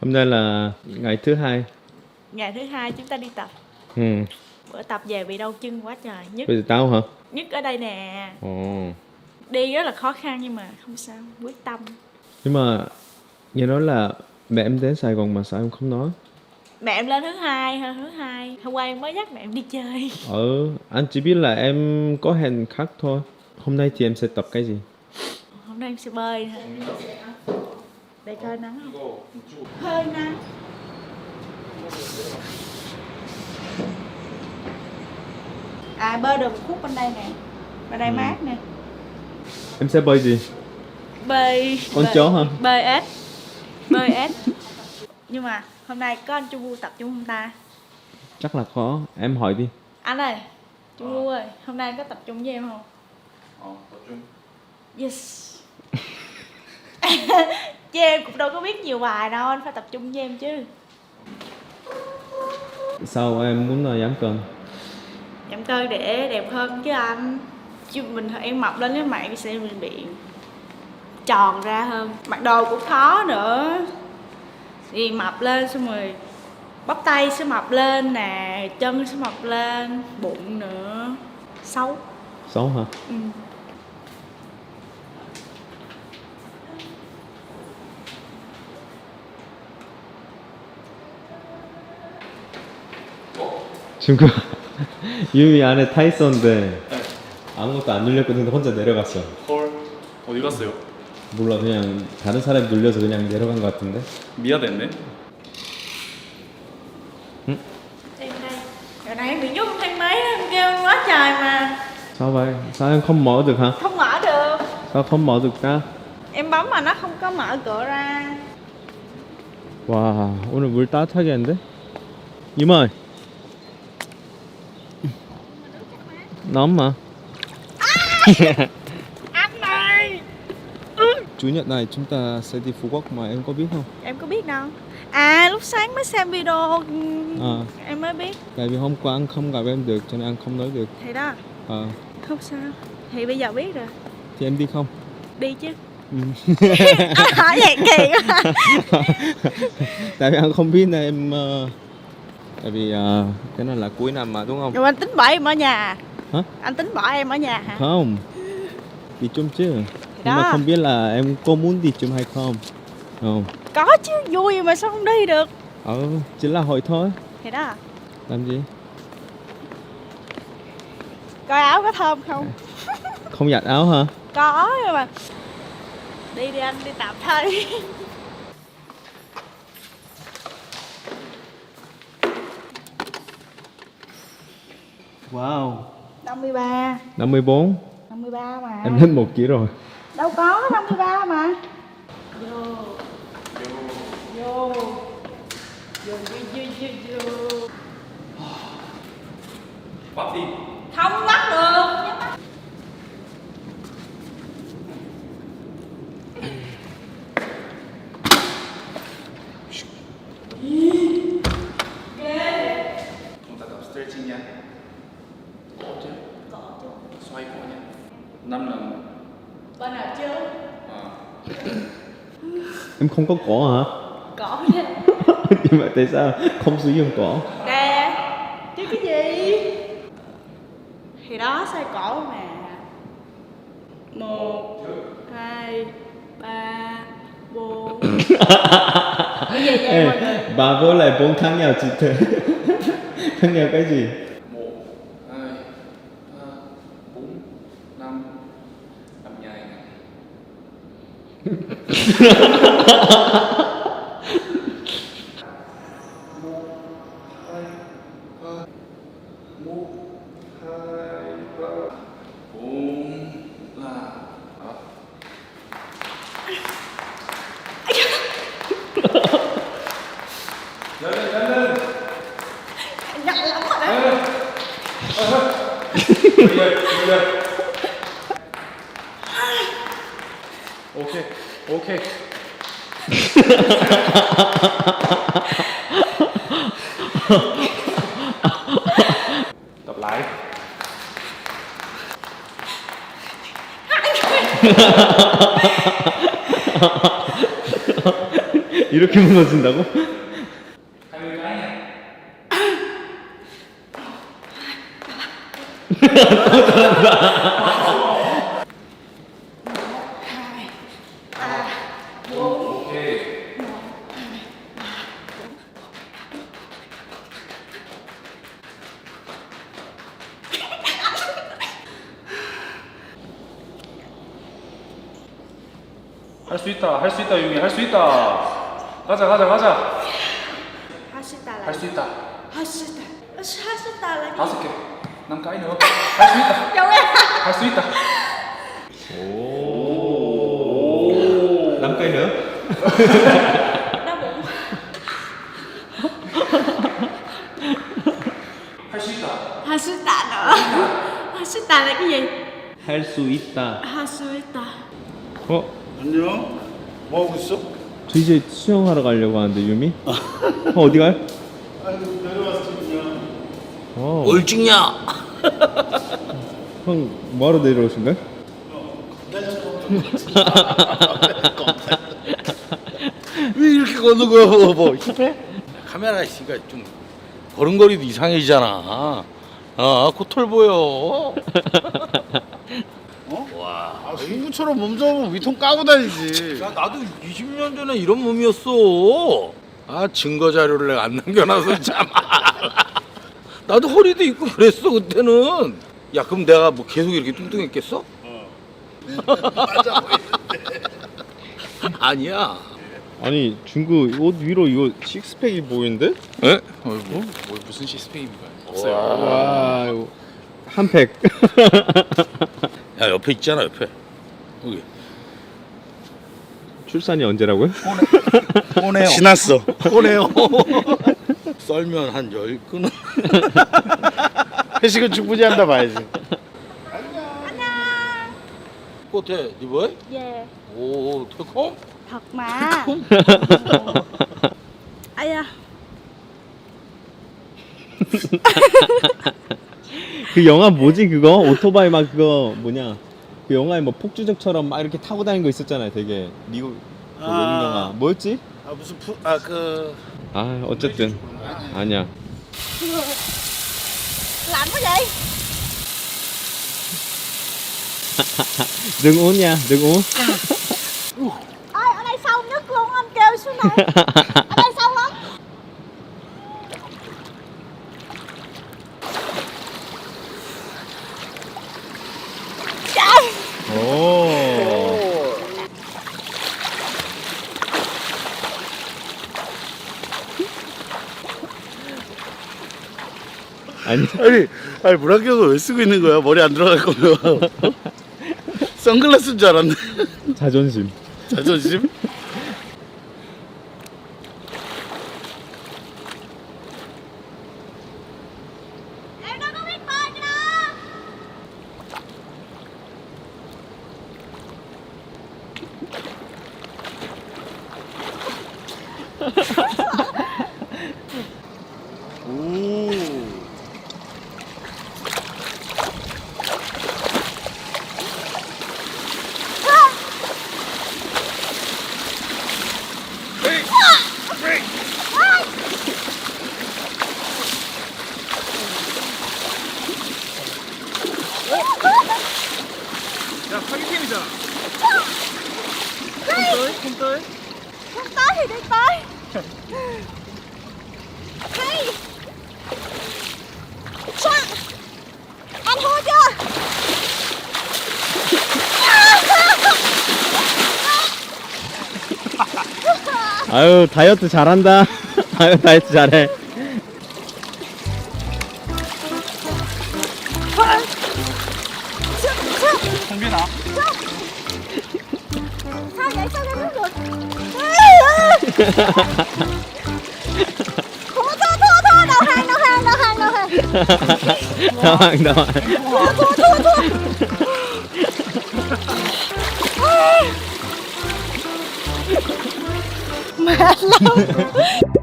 Hôm nay là ngày thứ hai. Ngày thứ hai chúng ta đi tập. Ừ. Bữa tập về bị đau chân quá trời. Nhức. Bây giờ tao hả? Nhức ở đây nè. Ồ. Đi rất là khó khăn nhưng mà không sao, quyết tâm. Nhưng mà nghe nói là mẹ em đến Sài Gòn mà sao em không nói? Mẹ em lên thứ hai. Hôm qua em mới dắt mẹ em đi chơi. Anh chỉ biết là em có hẹn khác thôi. Hôm nay thì em sẽ tập cái gì? Hôm nay em sẽ bơi thôi. Để coi nắng không? Hơi nắng. À, bơi được một khúc bên đây nè. Bên đây mát nè. Em sẽ bơi gì? Bơi chó hả? Bơi ếch. Bơi ếch. Nhưng mà hôm nay có anh Chu Vu tập chung không ta? Chắc là khó. Em hỏi đi. Anh ơi, Chu Vu ơi, hôm nay có tập trung với em không? Tập trung. Yes. Chứ em cũng đâu có biết nhiều bài đâu, anh phải tập trung với em chứ. Sao em muốn giảm cân? Giảm cân để đẹp hơn chứ anh. Chứ mình em mập lên cái mặt em sẽ bị tròn ra hơn. Mặc đồ cũng khó nữa. Thì mập lên xong rồi bắp tay sẽ mập lên nè, chân sẽ mập lên, bụng nữa. Xấu. Xấu hả? Ừ. 친구야 유미 안에 타 있었는데 아무것도 안 눌렸거든. 혼자 내려갔어. 헐. 어디 갔어요? 몰라, 그냥 다른 사람이 눌려서 그냥 내려간 것 같은데. 미아됐네. Em đây. Giờ này em bị nhốt trong thang máy đó, em kêu anh quá trời mà. Sao vậy? Sao em không mở được hả? Không mở được. Sao không mở được ra? Em bấm mà nó không có mở cửa ra. 와, 오늘 물 따뜻하게 했는데? 이모이 nóng mà. Anh này. Chủ nhật này chúng ta sẽ đi Phú Quốc mà em có biết không? Em có biết đâu. À, lúc sáng mới xem video em mới biết. Tại vì hôm qua anh không gặp em được cho nên anh không nói được. Thì đó. Không sao. Thì bây giờ biết rồi. Thì em đi không? Đi chứ. Anh hỏi vậy kỳ quá. Tại vì anh không biết nên em tại vì cái này là cuối năm mà đúng không? Rồi anh tính bỏ em ở nhà. Hả? Anh tính bỏ em ở nhà hả? Không. Đi chung chứ. Nhưng mà không biết là em có muốn đi chung hay không? Không. Có chứ, vui mà sao không đi được. Chỉ là hỏi thôi. Thì đó. Làm gì? Coi áo có thơm không? Không giặt áo hả? Có nhưng mà đi anh đi tập thôi. Wow. 53. 54. 53 mà. Em lên 1 kg rồi. Đâu có 53 mà. Vô. Vô. Bắt đi. Không bắt được. Chúng ta tập stretching nha. Cổ chứ. Xoay cổ nha. 5 lần. Bên nào chứ? Em không có cổ hả? Cổ chứ. Nhưng mà tại sao không sử dụng cổ? Nè. Chứ cái gì? Thì đó xoay cổ mà. 1 2 3 4. Cái gì vậy mọi người? Bà với lại 4 khác nhau chị thế. Khác nhau cái gì? 1 2 3 4 5 làm dài nè. Nhanh lắm rồi đó. 오케이. 오케이. Tập lại. 이렇게 무너진다고? 할 수 있다, 할 수 있다, 유미, 할 수 있다. 가자, 가자, 가자. 하시다 할 수 있다. 하시다 하시다 là cái 5개. 남 cái nữa. 할 수 있다. Chồng em 할 수 있다. 오. 남까이 nữa? đau bụng. 할 수 있다. 하시다 nữa. 하시다 là cái gì? 할 수 있다. 하시다. 어? 안녕. 뭐 하고 있어? 저 이제 수영하러 가려고 하는데 유미? 어디 가요? 아이고 내려왔어 그냥. 뭘 찍냐? 형 뭐하러 내려오신 거예요? 왜 이렇게 걷는 거야? 뭐 힙해? 카메라 있으니까 좀 걸음걸이도 이상해지잖아. 코털 보여. 와, 승구처럼 몸 잡으면 위통 까고 다니지. 야, 나도 20년 전에 이런 몸이었어. 증거 자료를 내가 안 남겨놔서 참. 나도 허리도 있고 그랬어 그때는. 야, 그럼 내가 뭐 계속 이렇게 뚱뚱했겠어? 맞아 보이는데. 아니야. 아니 중구 옷 위로 이거 식스팩이 보이는데? 에? 뭐 무슨 시스템입니까? 와 이거 한 팩. 야, 옆에 있잖아 옆에. 여기. 출산이 언제라고요? 오네요. 지났어. 오네요. 썰면 한 10근은. 회식은 충분히 한다 봐야지. 꽃에 니보이? Yeah. 오, 태콤? Thật mà. Ai da. 그 영화 뭐지 그거? 오토바이 막 그거 뭐냐? 그 영화에 뭐 폭주족처럼 막 이렇게 타고 다니는 거 있었잖아요. 되게 미국 그 외국 영화 뭐였지? 무슨 아 어쨌든 아니야. Lạnh quá vậy? đừng uống nha, đừng uống. Ơi ở đây sâu nhất luôn, anh kêu xuống này. Ở đây sâu lắm. Trời. 오. 아니 물안경을 왜 쓰고 있는 거야? 머리 안 들어갈 거면. 선글라스인 줄 알았네. 자존심. 자존심? Em đâu có biết bơi cái đó. 오. 야, 사기팀이잖아. Không tới thì đi tới. Hay. Sao? Anh thua chưa? 아유 다이어트 잘한다. 아유 다이어트 잘해. không biết nào. Sao vậy? Sao ra nước được? Thua, đầu hàng. 당황 당황. Mệt lắm.